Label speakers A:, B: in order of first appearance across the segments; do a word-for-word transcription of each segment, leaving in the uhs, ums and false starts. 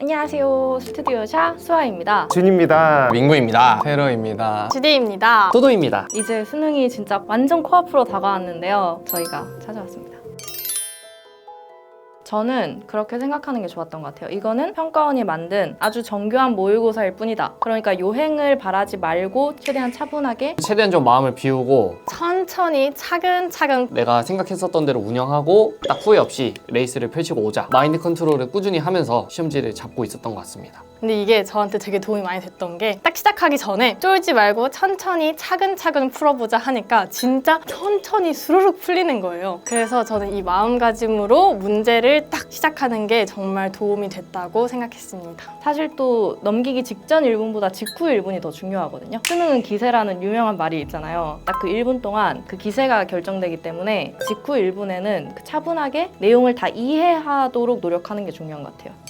A: 안녕하세요. 스튜디오샤 수아입니다.
B: 준입니다.
C: 민구입니다. 테러입니다.
D: 주디입니다.
B: 또도입니다.
A: 이제 수능이 진짜 완전 코앞으로 다가왔는데요. 저희가 찾아왔습니다. 저는 그렇게 생각하는 게 좋았던 것 같아요. 이거는 평가원이 만든 아주 정교한 모의고사일 뿐이다. 그러니까 요행을 바라지 말고 최대한 차분하게
B: 최대한 좀 마음을 비우고
D: 천천히 차근차근
B: 내가 생각했었던 대로 운영하고 딱 후회 없이 레이스를 펼치고 오자. 마인드 컨트롤을 꾸준히 하면서 시험지를 잡고 있었던 것 같습니다.
D: 근데 이게 저한테 되게 도움이 많이 됐던 게 딱 시작하기 전에 쫄지 말고 천천히 차근차근 풀어보자 하니까 진짜 천천히 수르륵 풀리는 거예요. 그래서 저는 이 마음가짐으로 문제를 딱 시작하는 게 정말 도움이 됐다고 생각했습니다.
A: 사실 또 넘기기 직전 일 분보다 직후 일 분이 더 중요하거든요. 수능은 기세라는 유명한 말이 있잖아요. 딱 그 일 분 동안 그 기세가 결정되기 때문에 직후 일 분에는 그 차분하게 내용을 다 이해하도록 노력하는 게 중요한 것 같아요.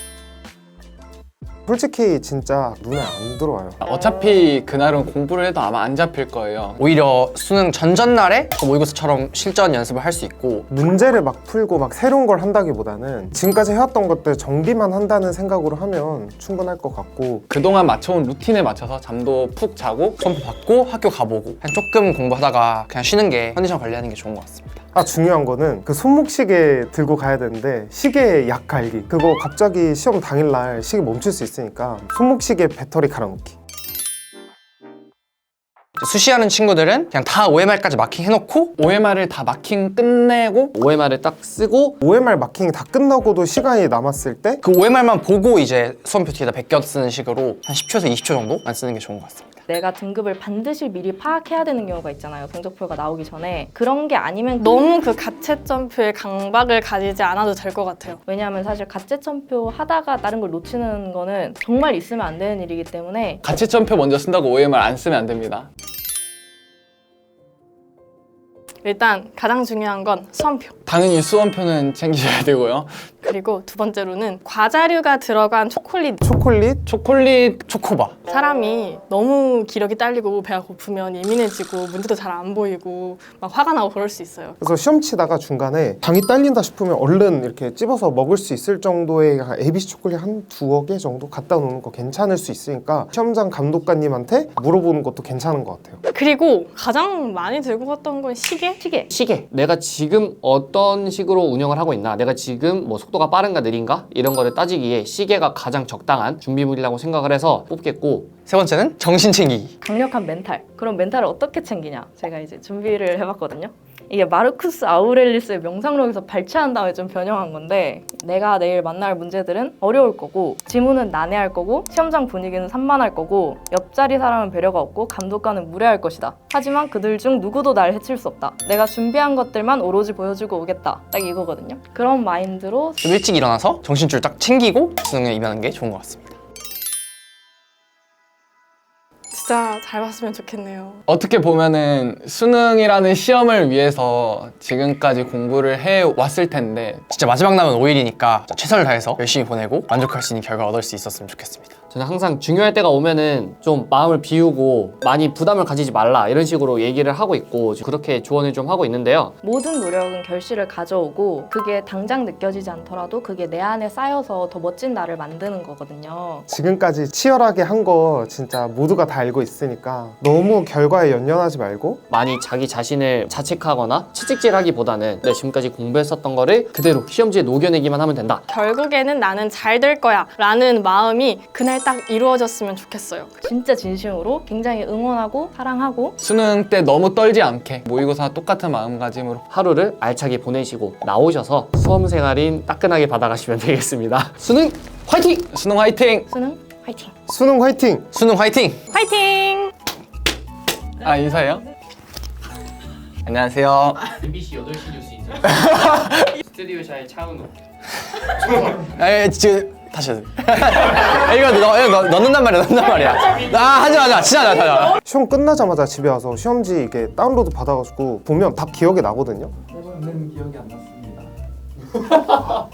E: 솔직히 진짜 눈에 안 들어와요.
C: 어차피 그날은 공부를 해도 아마 안 잡힐 거예요. 오히려 수능 전전날에 그 모의고사처럼 실전 연습을 할 수 있고
E: 문제를 막 풀고 막 새로운 걸 한다기보다는 지금까지 해왔던 것들 정비만 한다는 생각으로 하면 충분할 것 같고,
C: 그동안 맞춰온 루틴에 맞춰서 잠도 푹 자고 선포 받고 학교 가보고 그냥 조금 공부하다가 그냥 쉬는 게 컨디션 관리하는 게 좋은 것 같습니다.
E: 아 중요한 거는 그 손목시계 들고 가야 되는데 시계 약 갈기, 그거 갑자기 시험 당일날 시계 멈출 수 있으니까 손목시계 배터리 갈아놓기.
C: 수시하는 친구들은 그냥 다 오엠알까지 마킹 해놓고 오엠알을 다 마킹 끝내고
B: 오엠알을 딱 쓰고
E: 오엠알 마킹이 다 끝나고도 시간이 남았을 때
C: 그 오엠알만 보고 이제 수험표 뒤에다 베껴 쓰는 식으로 한 십 초에서 이십 초 정도만 쓰는 게 좋은 것 같습니다.
A: 내가 등급을 반드시 미리 파악해야 되는 경우가 있잖아요. 성적표가 나오기 전에. 그런 게 아니면
D: 너무 그 가채점표에 강박을 가지지 않아도 될 것 같아요.
A: 왜냐하면 사실 가채점표 하다가 다른 걸 놓치는 거는 정말 있으면 안 되는 일이기 때문에
C: 가채점표 먼저 쓴다고 오엠알 안 쓰면 안 됩니다.
D: 일단 가장 중요한 건 수험표.
C: 당연히 수험표는 챙기셔야 되고요.
D: 그리고 두 번째로는 과자류가 들어간 초콜릿.
E: 초콜릿?
C: 초콜릿 초코바.
D: 사람이 너무 기력이 딸리고 배가 고프면 예민해지고 문제도 잘 안 보이고 막 화가 나고 그럴 수 있어요.
E: 그래서 시험 치다가 중간에 당이 딸린다 싶으면 얼른 이렇게 찝어서 먹을 수 있을 정도의 에이비씨 초콜릿 한 두어 개 정도 갖다 놓는 거 괜찮을 수 있으니까 시험장 감독관님한테 물어보는 것도 괜찮은 것 같아요.
D: 그리고 가장 많이 들고 갔던 건 시계?
A: 시계.
B: 시계. 내가 지금 어떤 식으로 운영을 하고 있나, 내가 지금 뭐 속도가 빠른가 느린가 이런 거를 따지기에 시계가 가장 적당한 준비물이라고 생각을 해서 뽑겠고,
C: 세 번째는 정신 챙기기.
A: 강력한 멘탈. 그럼 멘탈을 어떻게 챙기냐? 제가 이제 준비를 해봤거든요. 이게 마르쿠스 아우렐리스의 명상록에서 발췌한 다음에 좀 변형한 건데, 내가 내일 만날 문제들은 어려울 거고, 지문은 난해할 거고, 시험장 분위기는 산만할 거고, 옆자리 사람은 배려가 없고 감독관은 무례할 것이다. 하지만 그들 중 누구도 날 해칠 수 없다. 내가 준비한 것들만 오로지 보여주고 오겠다. 딱 이거거든요. 그런 마인드로
C: 좀 일찍 일어나서 정신줄 딱 챙기고 수능에 임하는 게 좋은 것 같습니다.
D: 진짜 잘 봤으면 좋겠네요.
C: 어떻게 보면은 수능이라는 시험을 위해서 지금까지 공부를 해왔을 텐데 진짜 마지막 남은 오 일이니까 최선을 다해서 열심히 보내고 만족할 수 있는 결과 얻을 수 있었으면 좋겠습니다.
B: 저는 항상 중요할 때가 오면은 좀 마음을 비우고 많이 부담을 가지지 말라 이런 식으로 얘기를 하고 있고 그렇게 조언을 좀 하고 있는데요.
A: 모든 노력은 결실을 가져오고, 그게 당장 느껴지지 않더라도 그게 내 안에 쌓여서 더 멋진 나를 만드는 거거든요.
E: 지금까지 치열하게 한 거 진짜 모두가 다 알고 있으니까 너무 결과에 연연하지 말고
B: 많이 자기 자신을 자책하거나 채찍질하기보다는 내가 지금까지 공부했었던 거를 그대로 시험지에 녹여내기만 하면 된다.
D: 결국에는 나는 잘 될 거야 라는 마음이 그날 딱 이루어졌으면 좋겠어요.
A: 진짜 진심으로 굉장히 응원하고 사랑하고,
C: 수능 때 너무 떨지 않게 모의고사 똑같은 마음가짐으로
B: 하루를 알차게 보내시고 나오셔서 수험 생활인 따끈하게 받아가시면 되겠습니다. 수능 화이팅!
C: 수능 화이팅!
A: 수능 화이팅!
E: 수능 화이팅!
C: 수능 화이팅!
D: 화이팅!
C: 아 인사해요? 안녕하세요.
B: 엠비씨 여덟 시 뉴스 인사. 스튜디오샤의 차은우.
C: 에 지금 다시 해야 돼. 이거 너, 이거 넣, 넣는단 말이야 넣는단 말이야. 아 하지 마 진짜 하지 마 하지 마.
E: 시험 끝나자마자 집에 와서 시험지 이게 다운로드 받아가지고 보면 다 기억이 나거든요.
F: 세 번은 기억이 안 났습니다.